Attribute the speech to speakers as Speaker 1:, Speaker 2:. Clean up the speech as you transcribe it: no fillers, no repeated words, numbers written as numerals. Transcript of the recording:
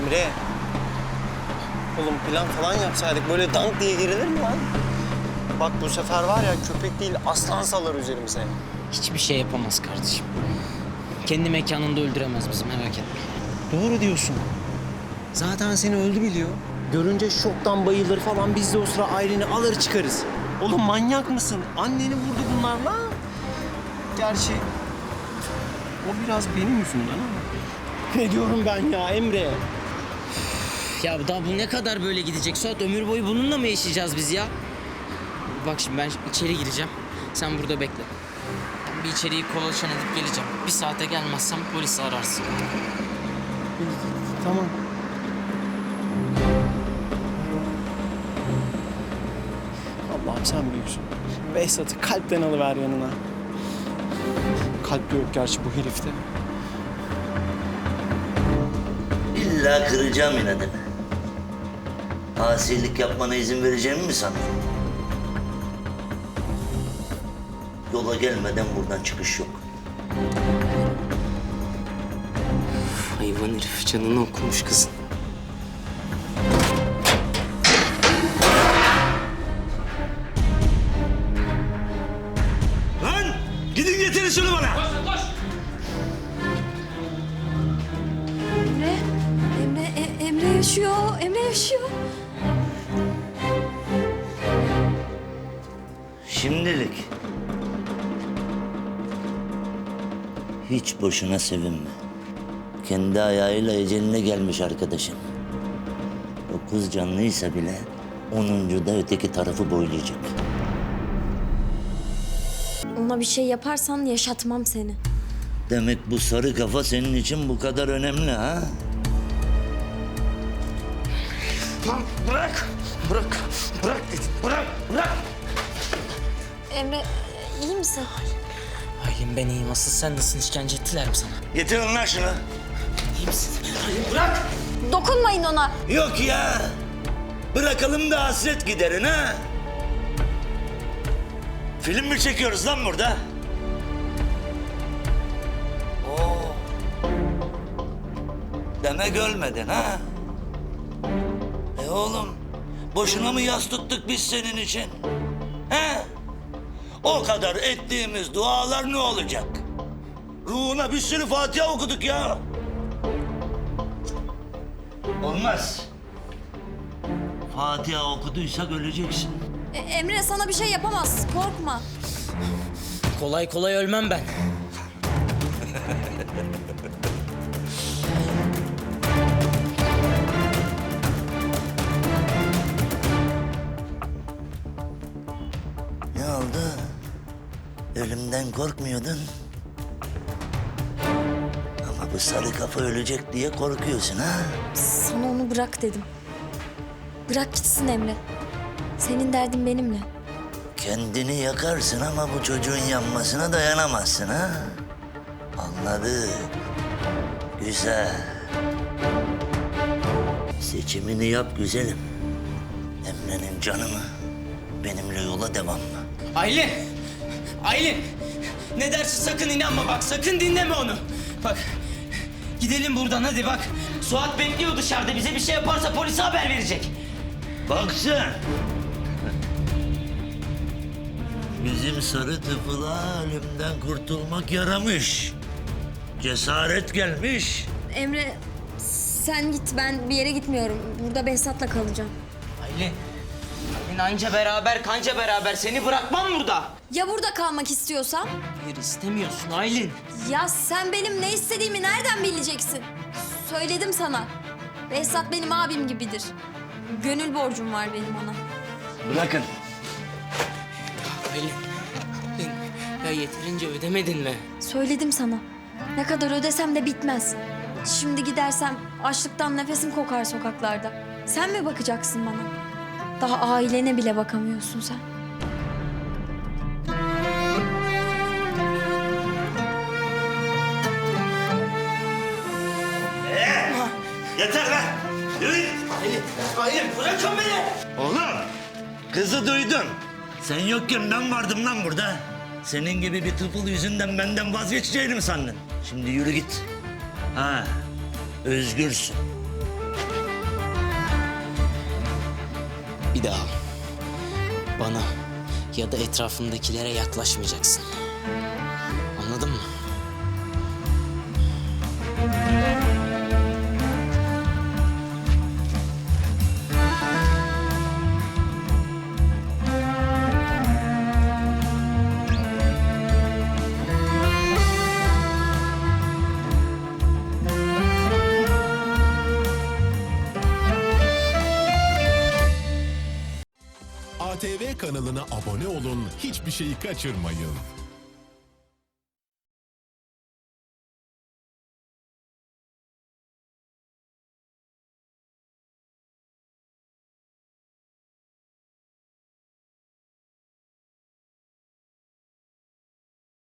Speaker 1: Emre. Oğlum plan falan yapsaydık böyle dank diye girilir mi lan? Bak bu sefer var ya köpek değil aslan salar üzerimize.
Speaker 2: Hiçbir şey yapamaz kardeşim. Kendi mekanında öldüremez bizi, merak etme.
Speaker 1: Doğru diyorsun. Zaten seni öldü biliyor. Görünce şoktan bayılır falan, biz de o sıra Aylin'i alır çıkarız. Oğlum manyak mısın? Anneni vurdu bunlarla. Gerçi o biraz benim yüzümden ama. Ne diyorum ben ya Emre?
Speaker 2: Ya daha bu ne kadar böyle gidecek Suat? Ömür boyu bununla mı yaşayacağız biz ya? Bak şimdi ben içeri gireceğim. Sen burada bekle. Ben bir içeriği kolaçan edip geleceğim. Bir saate gelmezsem polisi ararsın.
Speaker 1: Tamam. Allah'ım sen büyüksün. Behzat'ı kalpten alıver yanına. Kalp yok gerçi bu herifte.
Speaker 3: İlla kıracağım inadını. Asilik yapmana izin vereceğimi mi sandın? Yola gelmeden buradan çıkış yok.
Speaker 2: Hayvan herif canını okumuş kızın.
Speaker 3: Lan! Gidin getirin şunu bana!
Speaker 4: Emre yaşıyor. Emre yaşıyor.
Speaker 3: Şimdilik. Hiç boşuna sevinme. Kendi ayağıyla eceline gelmiş arkadaşın. 9 canlıysa bile 10. da öteki tarafı boylayacak.
Speaker 4: Ona bir şey yaparsan yaşatmam seni.
Speaker 3: Demek bu sarı kafa senin için bu kadar önemli ha?
Speaker 2: Lan bırak! Bırak! Bırak dedim! Bırak! Bırak!
Speaker 4: Emre iyi misin?
Speaker 2: Aylin ben iyiyim. Asıl sen nasılsın? İşkence ettiler mi sana?
Speaker 3: Getirin lan şunu.
Speaker 2: İyi misin? Aylin bırak!
Speaker 4: Dokunmayın ona.
Speaker 3: Yok ya. Bırakalım da hasret giderin ha. Film mi çekiyoruz lan burada? Oo. Demek ölmedin ha? Oğlum, boşuna mı yas tuttuk biz senin için? He? O kadar ettiğimiz dualar ne olacak? Ruhuna bir sürü Fatiha okuduk ya. Olmaz. Fatiha okuduysak öleceksin.
Speaker 4: Emre sana bir şey yapamaz. Korkma.
Speaker 2: Kolay kolay ölmem ben.
Speaker 3: Ne oldu? Ölümden korkmuyordun. Ama bu sarı kafa ölecek diye korkuyorsun ha?
Speaker 4: Sana onu bırak dedim. Bırak gitsin Emre. Senin derdin benimle.
Speaker 3: Kendini yakarsın ama bu çocuğun yanmasına dayanamazsın ha? Anladık. Güzel. Seçimini yap güzelim. Emre'nin canı mı? Benimle yola devam mı?
Speaker 2: Aylin! Aylin! Ne dersin sakın inanma bak. Sakın dinleme onu. Bak gidelim buradan hadi bak. Suat bekliyor dışarıda. Bize bir şey yaparsa polise haber verecek.
Speaker 3: Bak sen! Bizim sarı tıfıla ölümden kurtulmak yaramış. Cesaret gelmiş.
Speaker 4: Emre sen git, ben bir yere gitmiyorum. Burada Behzat'la kalacağım.
Speaker 2: Aylin! Aylin anca beraber kanca beraber. Seni bırakmam burada.
Speaker 4: Ya burada kalmak istiyorsam?
Speaker 2: Hayır istemiyorsun Aylin.
Speaker 4: Ya sen benim ne istediğimi nereden bileceksin? Söyledim sana. Behzat benim abim gibidir. Gönül borcum var benim ona.
Speaker 3: Bırakın.
Speaker 2: Aylin. Aylin. Ya yeterince ödemedin mi?
Speaker 4: Söyledim sana. Ne kadar ödesem de bitmez. Şimdi gidersem açlıktan nefesim kokar sokaklarda. Sen mi bakacaksın bana? Daha ailene bile bakamıyorsun sen.
Speaker 3: Yeter lan! Yürü!
Speaker 2: Aylin. Aylin bırakın beni.
Speaker 3: Oğlum! Kızı duydun. Sen yokken ben vardım lan burada. Senin gibi bir tıfıl yüzünden benden vazgeçeceğini mi sandın? Şimdi yürü git. Ha, özgürsün.
Speaker 2: Bir daha bana ya da etrafındakilere yaklaşmayacaksın. Anladın mı?
Speaker 5: ATV kanalına abone olun, hiçbir şeyi kaçırmayın.